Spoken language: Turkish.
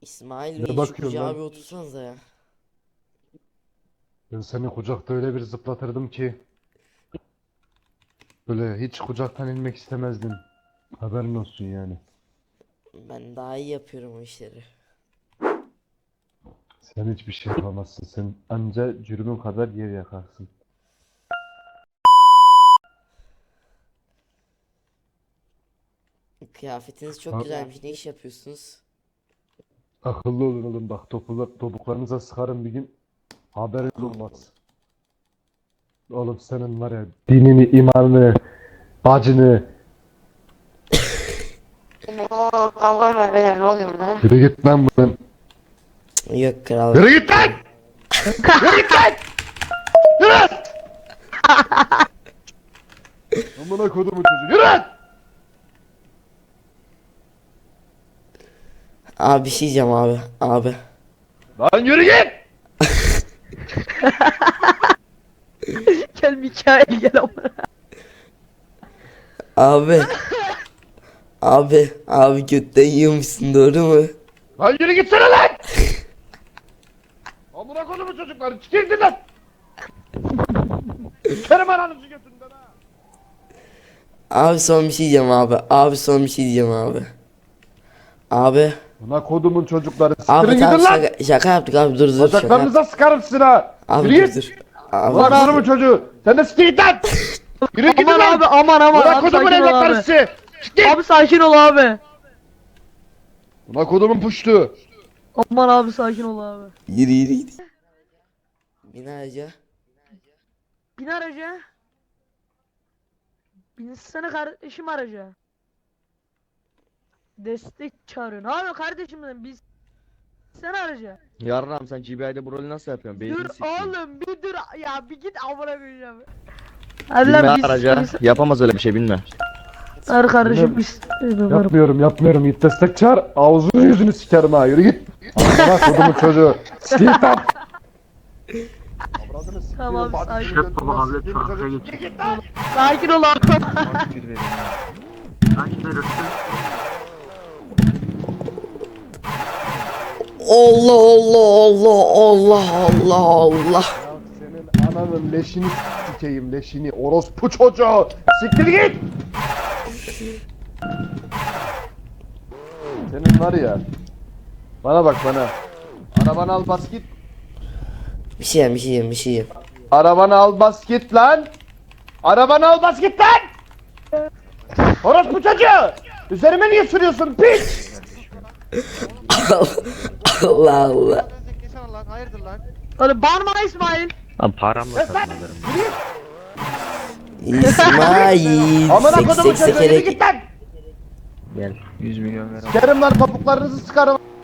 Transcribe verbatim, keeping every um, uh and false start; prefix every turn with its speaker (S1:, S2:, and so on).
S1: İsmail
S2: Ne
S1: Bey şu
S2: bakıyorsun
S1: kucağa
S2: lan?
S1: bir otursanıza ya.
S2: Ben seni kucakta öyle bir zıplatırdım ki böyle hiç kucaktan inmek istemezdin. Haberin olsun yani.
S1: Ben daha iyi yapıyorum o işleri.
S2: Sen hiçbir şey yapamazsın. Sen anca cürümün kadar yer yakarsın.
S1: Kıyafetiniz çok
S2: Ha,
S1: güzelmiş. Ne iş yapıyorsunuz?
S2: akıllı olun oğlum bak topuklar, topuklarınıza sıkarım bir gün. Haberiniz olmaz. Oğlum senin var ya dinini, imanını, bacını.
S3: Oo, kavga var beyler, ne oluyor burada?
S2: Yürü git lan buradan.
S1: Yok kral.
S2: Yürü git lan! Yürü git lan! Yürü! Amına kodumun çocuğu yürü!
S1: Abi bir şey diyeceğim abi. Abi.
S2: Lan yürü git!
S3: Gel Mikail gel amına.
S1: Abi. Abi. Abi götten yiyormuşsun doğru mu?
S2: Lan yürü gitsene lan! Amına kodumun çocukları çıkırdın lan! Sikerim ananızı götünden ha!
S1: Abi son bir şey diyeceğim abi. Abi son bir şey diyeceğim abi. Abi.
S2: Amına kodumun çocukları
S1: Abi
S2: siktirin
S1: tamam
S2: gidin lan!
S1: şaka, şaka yaptık abi dur dur şaka yaptık.
S2: Bacaklarınıza sıkarım sizin ha!
S1: Abi
S2: Yürü
S1: dur
S2: git!
S1: dur. Abi
S2: Amına
S1: dur.
S2: kodumun çocuğu! Sen de siktir git lan! Yürü gidin
S3: Aman
S2: lan!
S3: abi aman aman
S2: Amına
S3: abi
S2: kodumun
S3: sakin ol
S2: evlatları
S3: abi.
S2: sizi! Siktir!
S3: Abi sakin ol abi.
S2: Amına kodumun puştu!
S3: Aman abi sakin ol abi.
S1: Yürü yürü git. Bin araca.
S3: Bin araca. Binsene kardeşim araca. Destek çağırıyorsun. Abi kardeşim dedim biz. Sen araca.
S4: Yarram sen G B I'de bu rolü nasıl yapıyorsun? Beynini
S3: Dur
S4: sikeyim.
S3: oğlum bir dur ya bir git amına koyacağım. Hadi
S4: Bilme
S3: lan biz.
S4: araca.
S3: biz-
S4: Yapamaz öyle bir şey bilme.
S3: Hadi kardeşim
S2: Bilmem.
S3: biz.
S2: Yapmıyorum yapmıyorum git destek çağır ağzını yüzünü sikerim ha yürü git! Amına kodumun çocuğu! Siktir git lan! Avradını siktiğimin
S3: Tamam,
S2: bacısını
S3: sakin.
S2: götürmez, siktiğimin çocuğu. Siktir git lan!
S3: Sakin ol abi.
S1: Allah Allah Allah Allah Allah Allah.
S2: Ya senin ananın leşini sikeyim leşini orospu çocuğu! Siktir git! Senin var ya. Bana bak bana. Arabanı al bas git.
S1: Bir şey yiyeyim bir şey yiyeyim bir şey yiyeyim.
S2: Arabanı al bas git lan. Arabanı al bas git lan. Orospu çocuğu. Üzerime niye sürüyorsun piç?
S1: Allah Allah.
S3: Hadi bağırma İsmail.
S4: Lan paramla satın alırım.
S1: İsmail.
S2: Amına
S1: Sek
S2: kodumun
S1: sek
S2: çocuğu yürü
S1: sekerek.
S2: git lan.
S4: Gel. yüz milyon ver.
S2: Sikerim lan topuklarınızı sıkarım.